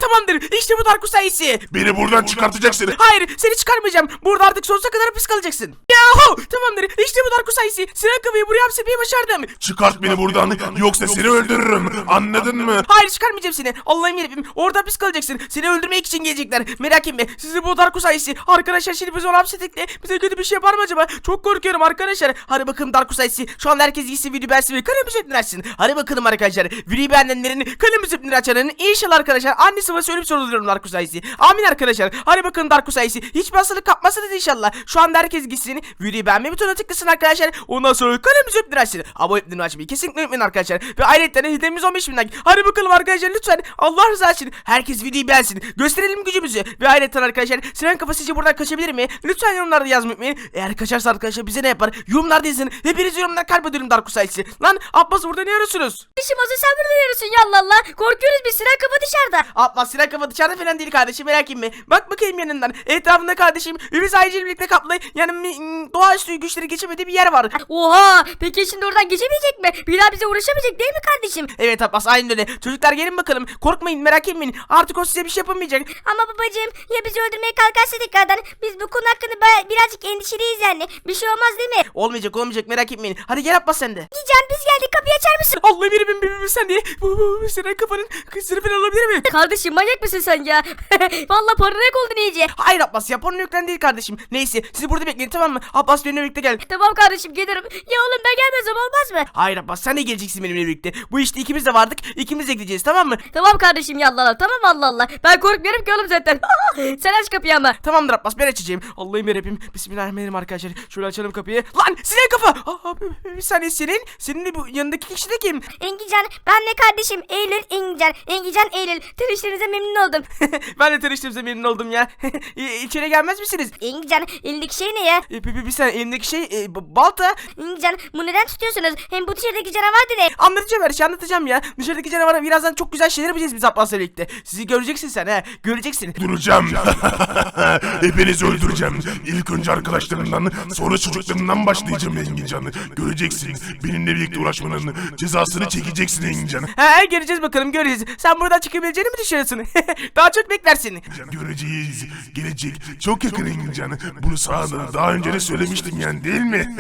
Tamamdır. İşte bu Darkus sayesi. Beni buradan çıkartacaksın. Hayır, seni çıkarmayacağım. Burada artık sonsuza kadar hapis kalacaksın. Yahu! Tamamdır. İşte bu Darkus sayesi. Sinan Kafayı buraya hapsetmeyi başardım. Çıkart beni buradan yoksa seni öldürürüm. Anladın mı? Hayır, çıkarmayacağım seni. Allah'ım yarabbim. Orada hapis kalacaksın. Seni öldürmek için gelecekler. Merak etme. Sizi bu Darkus sayesi. Arkadaşlar şimdi biz onu hapsettik de bize kötü bir şey yapar mı acaba? Çok korkuyorum arkadaşlar. Hadi bakalım Darkus sayesi. Şu anda herkes gitsin video beğensin ve kanalımızı açsın. Hadi bakalım arkadaşlar. Videoyu beğenenlerin kanalımızı açanların inşallah arkadaşlar annesi babası ölüp soruluyorum Darkus sayesi. Amin arkadaşlar. Hadi bakalım Darkus sayesi. Hiçbir hastalık kapmasınız inşallah. Şu anda herkes gitsin. Videoyu beğenme butonuna tıklasın arkadaşlar. Ondan sonra kanalımızı açsın. Abone olmayı açmayı kesinlikle unutmayın arkadaşlar. Ve ayrıca hedefimiz 15.000 like. Hadi bakalım arkadaşlar lütfen. Allah rızası için herkes videoyu beğensin. Gösterelim gücümüzü. Ve ayrıca arkadaşlar Sinan Kafa sizce buradan kaçabilir mi? Lütfen yorumlarda yazmayı unutmayın. Eğer kaçarsa arkadaşlar bize ne yapar? Yorumlarda yazın. Hepiniz yorumlar kalp ediyorum Darkus sayesi. Lan Abbas burada ne arıyorsunuz? Kardeşim Azı sen burada yarıyorsun ya Allah Allah. Korkuyoruz biz, Sinan Kafa dışarıda. Abbas Sinan Kafa dışarıda falan değil kardeşim, merak etme. Bak bakayım yanından. Etrafında kardeşim Ümit ayrıca birlikte kaplı. Yani doğaüstü güçleri geçemediği bir yer var. Oha, peki şimdi oradan geçemeyecek mi? Bir daha bize uğraşamayacak değil mi kardeşim? Evet Abbas, aynen öyle. Çocuklar gelin bakalım. Korkmayın, merak etmeyin. Artık o size bir şey yapamayacak. Ama babacığım ya bizi öldürmeye kalkarsa tekrardan, biz bu konu hakkında birazcık endişeliyiz yani. Bir şey olmaz değil mi? Olmayacak merak etmeyin. Hadi gel Abbas sen de. Can biz geldik, kapıyı açar mısın? Allah bir sen diye. Bu Sinan Kafa'nın kızını falan alabilir mi? Kardeşim manyak mısın sen ya? Vallahi paranoyak oldun iyice. Hayır Abbas, yapanın yüklen değil kardeşim. Neyse siz burada bekleyin, tamam mı? Abbas benimle birlikte gel. Tamam kardeşim gelirim. Ya oğlum ben gelmezsem olmaz mı? Hayır Abbas, sen de geleceksin benimle birlikte. Bu işte ikimiz de vardık. İkimiz de gideceğiz, tamam mı? Tamam kardeşim ya Allah Allah. Tamam Allah Allah. Ben korkmuyorum ki oğlum zaten. Sen aç kapıyı ama. Tamamdır Abbas, ben açacağım. Allah'ım yarabbim. Bismillahirrahmanirrahim arkadaşlar. Şöyle açalım kapıyı. Lan Sinan Kafa. Bir saniye senin de bu yanındaki kişi de kim? Engican ben de kardeşim Eylül Engican Eylül. Tanıştığınıza memnun oldum. Ben de tanıştığımıza memnun oldum ya. İçeri gelmez misiniz? Engican elindeki şey ne ya? Bir saniye, elimdeki şey balta. Engican bu neden tutuyorsunuz? Hem bu dışarıdaki canavar da ne? Anlatacağım, her şeyi anlatacağım ya. Dışarıdaki canavara birazdan çok güzel şeyler yapacağız biz Abbas'la birlikte. Sizi göreceksin sen ha. Göreceksin. Duracağım. Hepinizi öldüreceğim. İlk önce arkadaşlarımdan, sonra çocuklarımdan başlayacağım Engincan. Göreceksin. Benimle birlikte uğraşmanın cezasını çekeceksin Engincan. He, göreceğiz bakalım, göreceğiz. Sen buradan çıkabileceğini mi düşünüyorsun? Daha çok beklersin. Göreceğiz. Gelecek. Çok yakın Engincan. Bunu sana daha önce de söylemiştim yani, değil mi?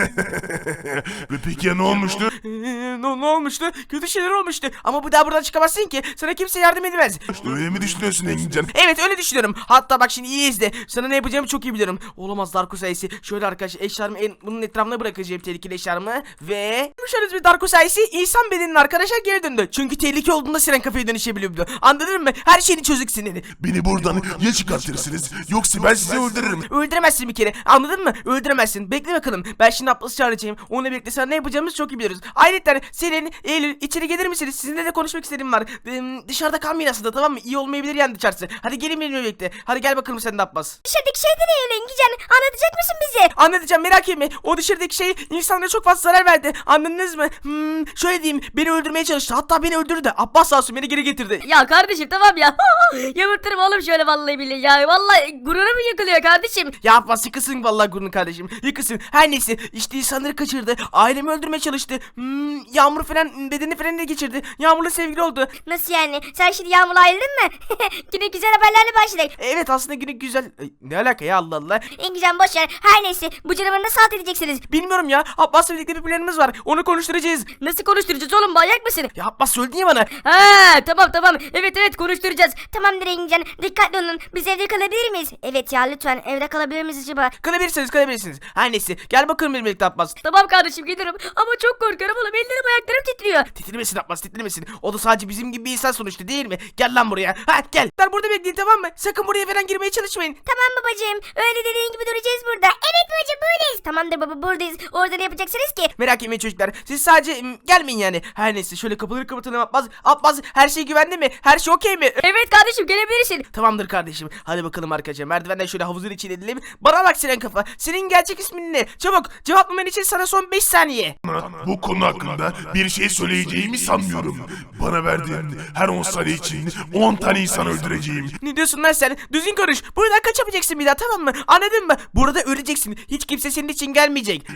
Ve peki ya ne olmuştu? Ne olmuştu? Kötü şeyler olmuştu. Ama bu daha buradan çıkamazsın ki. Sana kimse yardım edemez. Öyle mi düşünüyorsun Engincan? Evet, öyle düşünüyorum. Hatta bak şimdi iyi izle. Sana ne yapacağımı çok iyi biliyorum. Olamaz Darkus sayesi. Şöyle arkadaşlar eşyalarımı bunun etrafına bırakacağım, tehlikeli eşyalarımı. Ve şöyle bir Darkus sayesi insan bedeninin arkadaşlar geri döndü. Çünkü tehlike olduğunda Sinan Kafa'ya dönüşebiliyordu. Anladın mı? Her şeyini çözüksün dedi. Beni buradan ya çıkartırsınız yoksa ben sizi öldürürüm. Öldüremezsin bir kere. Anladın mı? Öldüremezsin. Bekle bakalım. Ben şimdi Abbas'ı çağıracağım. Onunla birlikte sana ne yapacağımızı çok iyi biliyoruz. Ayrıca senin Eylül içeri gelir misiniz? Sizinle de konuşmak istediğim var. Dışarıda kalmayın aslında, tamam mı? İyi olmayabilir yani dışarısı. Hadi gelin benimle birlikte. Hadi gel bakalım sen de Abbas. Dışarıdaki şey de ne Eylül Engican? Anlatacak mısın bize? Anlatacağım, merak etme. O dışarıdaki şey insanlara çok fazla zarar verdi. Anladınız mı? Şöyle diyeyim. Beni öldürmeye çalıştı. Hatta beni öldürdü. Abbas sağ olsun beni geri getirdi. Ya kardeşim tamam ya. Yamurturum oğlum şöyle vallahi billahi ya. Vallahi gururum yıkılıyor kardeşim. Ya Abbas yıkılsın vallahi gururun kardeşim. Yıkılsın. Her neyse işte insanları kaçırdı. Ailemi öldürmeye çalıştı. Yağmur falan bedeni falan da geçirdi. Yağmur'la sevgili oldu. Nasıl yani? Sen şimdi Yağmur'la ayrıldın mı? Yine güzel haberlerle başladık. Evet aslında günü güzel. Ne alaka ya, Allah Allah. Engican boşver. Her neyse bu canavarı nasıl alt edeceksiniz? Bilmiyorum ya. Abbas'la birlikte bir planımız var. Onu konuşturacağız. Nasıl konuşturacağız oğlum, manyak mısın? Ya Abbas söyledi ya bana. Ha tamam evet konuşturacağız. Tamamdır Engican, dikkatli olun. Biz evde kalabilir miyiz? Evet ya lütfen, evde kalabilir miyiz acaba? Kalabilirsiniz. Her neyse. Gel bakalım benimle birlikte Abbas. Tamam kardeşim gelirim ama çok korkuyorum oğlum, ellerim ayaklarım titriyor. Titrimesin Abbas, titrimesin. O da sadece bizim gibi bir insan sonuçta, değil mi? Gel lan buraya. Ha gel. Ben burada bekleyin, tamam mı? Sakın buraya falan girmeye çalışmayın. Tamam babacığım, öyle dediğin gibi duracağız burada. Evet babacığım buradayız. Tamamdır baba, buradayız. Orada ne yapacaksınız ki? Merak etmeyin çocuklar. Siz sadece gelmeyin yani. Her neyse şöyle kapıları kapatalım Abbas. Abbas her şey güvenli mi? Her şey okey mi? Evet kardeşim gelebilirsin. Tamamdır kardeşim. Hadi bakalım arkadaşlar. Merdivenden şöyle havuzun içine edelim. Bana bak Sinan Kafa. Senin gerçek ismin ne? Çabuk cevaplaman için sana son 5 saniye. Bu konu hakkında bir şey söyleyeceğimi sanmıyorum. Bana verdiğin her 10 saniye için 10 tane insan öldüreceğim. Ne diyorsun lan sen? Düzgün konuş. Buradan kaçamayacaksın bir daha, tamam mı? Anladın mı? Burada öleceksin. Hiç kimse senin için gelmeyecek.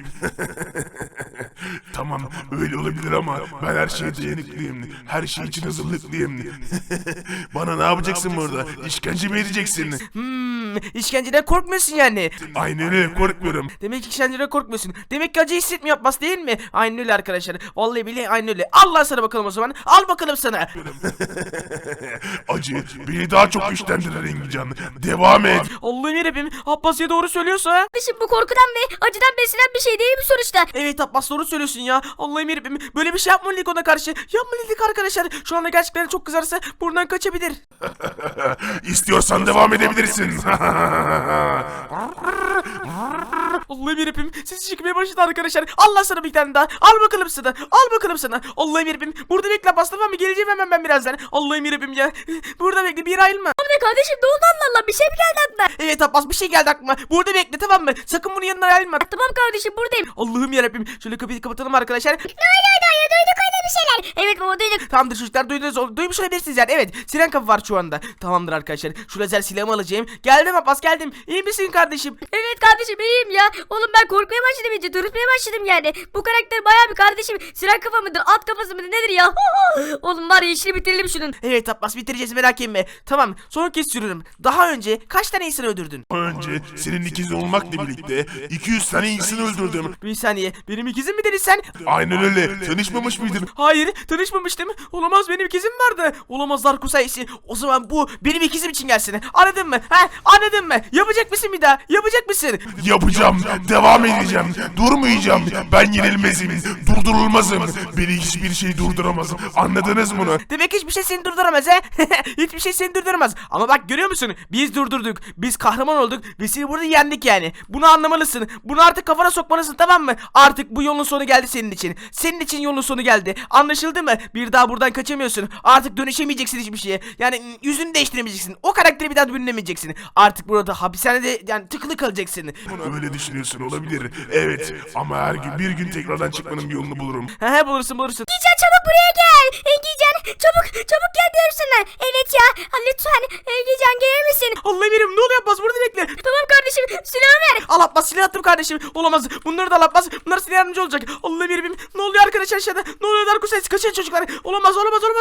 Tamam öyle olabilir ama ben her şeye dayanıklıyım. Her şey için hazırlıklıyım. Bana ne yapacaksın burada? İşkence mi edeceksin? İşkenceden korkmuyorsun yani. Aynen öyle, korkmuyorum. Demek ki işkenceden korkmuyorsun. Demek ki acı hissetmiyor Abbas değil mi? Aynen öyle arkadaşlar. Vallahi billahi aynen öyle. Allah sana bakalım o zaman. Al bakalım sana. Acı beni daha çok güçlendirir Engincan. Devam et. Allah'ım yarabbim. Abbas ya doğru söylüyorsa. Kardeşim bu korkudan ve acıdan beslenen bir şey değil mi sonuçta? Evet Abbas doğru söylüyorsun ya. Allah'ım yarabbim. Böyle bir şey yapmalıydık ona karşı. Yapmalıydık arkadaşlar. Şu anda gerçekten çok kızarsa buradan kaçabilir. İstiyorsan devam edebilirsin. Allah'ım yarabbim. Sesi çıkmaya başladı arkadaşlar. Allah sana bir tane daha. Al bakalım sana. Al bakalım sana. Allah'ım yarabbim. Burada bekle Abbas, tamam mı? Geleceğim hemen ben birazdan. Allah'ım yarabbim ya. Burada bekle, bir yere ayrılma. Ne kardeşim ne oldu Allah Allah, bir şey mi geldi aklına? Evet Abbas, bir şey geldi aklıma. Burada bekle, tamam mı? Sakın bunun yanına ayrılma. Tamam kardeşim buradayım. Allah'ım yarabbim. Şöyle kapıyı kapatalım arkadaşlar. Duyduk öyle bir şeyler. Evet baba duyduk. Tamamdır çocuklar, duydunuz, duymuş olabilirsiniz yani. Evet, siren kapı var şu anda. Tamamdır arkadaşlar. Şu lazer silahımı alacağım. Geldim Abbas, geldim. İyi misin kardeşim? Evet kardeşim iyiyim ya. Oğlum ben korkmaya başladım iyice. Dürtmeye başladım yani. Bu karakter bayağı bir kardeşim. Siren kafa mıdır? At kafası mıdır? Nedir ya? Oğlum var ya işini bitirelim şunun. Evet Abbas, bitireceğiz, merak etme. Tamam, son kez sürüyorum. Daha önce kaç tane insan öldürdün? Önce senin ikizin olmakla birlikte 200 tane insan öldürdüm. Bir saniye, benim ikizim mi dedin sen? Aynen öyle. Tanışmamış mıydın? Hayır, tanışmamıştım. Olamaz, benim ikizim vardı. Olamaz Darko sayısı. O zaman bu benim ikizim için gelsin. Anladın mı? Ha? Anladın mı? Yapacak mısın bir daha? Yapacak mısın? Yapacağım. Devam edeceğim. Durmayacağım. Ben yenilmezim. Durdurulmazım. Beni hiçbir şey durduramaz. Anladınız mı bunu? Demek hiçbir şey seni durduramaz he? Hiçbir şey seni durduramaz. Ama bak görüyor musun? Biz durdurduk. Biz kahraman olduk ve seni burada yendik yani. Bunu anlamalısın. Bunu artık kafana sokmalısın, tamam mı? Artık bu yolun sonu geldi senin için. Senin için yolun sonu geldi. Anlaşıldı mı? Bir daha buradan kaçamıyorsun. Artık dönüşemeyeceksin hiçbir şeye. Yani yüzünü değiştiremeyeceksin. O karakteri bir daha bürünemeyeceksin. Artık burada hapishanede yani tıkılı kalacaksın. Öyle düşünüyorsun, olabilir. Evet, ama her gün bir gün tekrardan çıkmanın bir yolunu bulurum. He bulursun. Engican çabuk buraya gel. Engican çabuk gel diyorum sana. Evet ya lütfen Engican gelir misin? Allah'ım yerim, ne oluyor Abbas, burada bekle. Tamam kardeşim silahı ver. Al Abbas, silah attım kardeşim. Olamaz. Bunları da al Abbas. Bunlar size yardımcı olacak. Allah'ım yerim. Ne oluyor arkadaşlar aşağıda? Ne oluyor Darko sayısı? Kaçın çocuklar. Olamaz.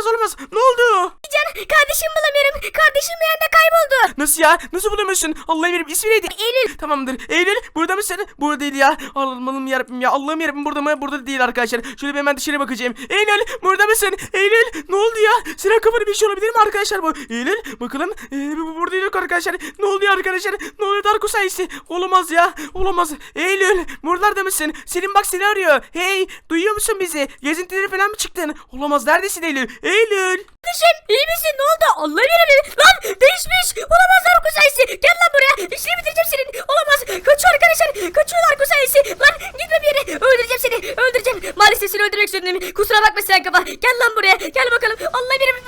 Ne oldu? Engican kardeşim bulamıyorum. Kardeşim bir anda kayboldu. Nasıl ya? Nasıl bulamıyorsun? Allah'ım yerim. İsmi neydi? Eylül. Tamamdır. Eylül burada mısın? Burada değil ya. Allah'ım yarabbim ya. Allah'ım yarabbim, burada mı? Burada değil arkadaşlar. Şöyle bir hemen dışarı bakacağım. Eylül burada mısın? Eylül ne oldu ya? Siren kafanı bir şey olabilir mi arkadaşlar bu? Eylül bakalım. Bu burada yok arkadaşlar. Ne oluyor arkadaşlar? Ne oluyor Darko sayısı? Olamaz ya. Olamaz. Eylül buralarda mısın? Selim bak seni arıyor. Hey, duyuyor musun bizi? Gezintileri falan mı çıktın? Olamaz. Neredesin Eylül? Eylül. Kardeşim iyi misin? Ne oldu? Allah yarabbim. Lan değişmiş. Olamaz Darko sayısı. Gel lan buraya. İşini bitireceğim senin. Olamaz. Kaçıyor arkadaşlar. Kaçıyor Darko sayısı. Lan gitme bir yere. Öldüreceğim seni. Öldüreceğim. Maalesef seni öldürmek zorundayım. Kusura bakma sen kafa. Gel lan buraya. Gel bakalım. Allah yarabbim.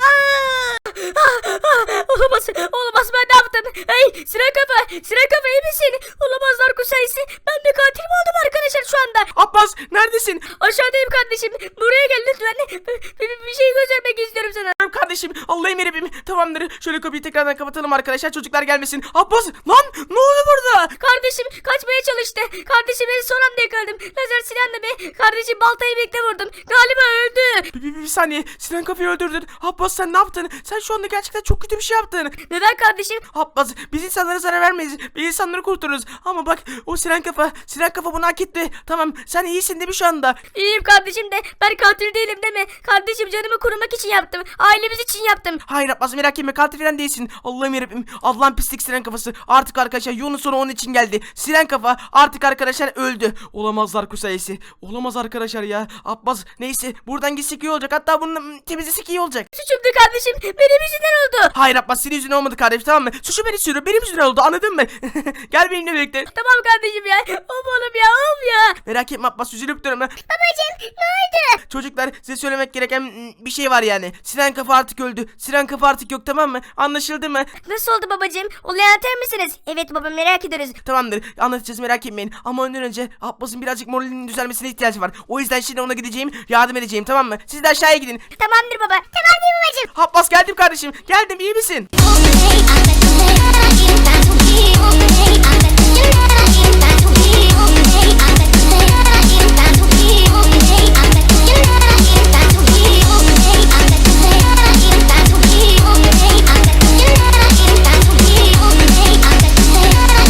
Olamaz. Olamaz, ben ne yaptım? Hey Siren kafa iyi misin? Olamaz Darko sayısı. Ben bir katil mi oldum arkadaşlar şu anda? Abbas neredesin? Aşağıdayım kardeşim. Buraya gel lütfen. Bir şey göstermek istiyorum sana. Kardeşim Allah'ım yarabbim. Tamamdır. Şöyle kapıyı tekrardan kapatalım arkadaşlar. Çocuklar gelmesin. Abbas lan ne oldu burada? Kardeşim kaçmaya çalıştı. Kardeşim beni son anda yakaladım. Lazer silahla be. Kardeşim baltayı birlikte vurdum. Galiba öldü. Bir saniye. Sinan kafayı öldürdün. Abbas sen ne yaptın? Sen şu anda gerçekten çok kötü bir şey yaptın. Neden kardeşim? Abbas biz insanlara zarar vermeyiz. Biz insanları kurtarırız. Ama bak o Sinan kafa bunu hak etti. Tamam sen iyisin değil mi şu anda? İyiyim kardeşim de ben katil değilim değil mi? Kardeşim canımı korumak için yaptım. Ailemiz için yaptım. Hayır Abbas merak etme, katil falan değilsin. Allah'ım yarabbim. Allah'ın pislik Sinan kafası. Artık arkadaşlar yolun sonu onun için geldi. Sinan kafa artık arkadaşlar öldü. Olamazlar kusayesi. Olamaz arkadaşlar ya. Abbas neyse buradan gitsek iyi olacak. Hatta bunu temizlesek iyi olacak. Suçumdu kardeşim. Benim yüzümden oldu. Hayır Abbas senin yüzünden olmadı kardeşim, tamam mı? Suçu beni sürüyor, benim yüzümden oldu, anladın mı? Gel benimle birlikte. Tamam kardeşim ya. Oğlum ya. Merak etme Abbas, üzülüp durma. Babacım ne oldu? Çocuklar size söylemek gereken bir şey var yani. Sinan kafa artık öldü. Sinan kafa artık yok, tamam mı? Anlaşıldı mı? Nasıl oldu babacım? Olayı anlatır mısınız? Evet baba merak ediyoruz. Tamamdır, anlatacağız, merak etmeyin. Ama ondan önce Abbas'ın birazcık moralinin düzelmesine ihtiyacı var. O yüzden şimdi ona gideceğim, yardım edeceğim, tamam mı? Siz de aşağıya gidin. Tamamdır baba. Tamamdır babacım. Abbas geldim kardeşim. Geldim, iyi misin? Okay, I'm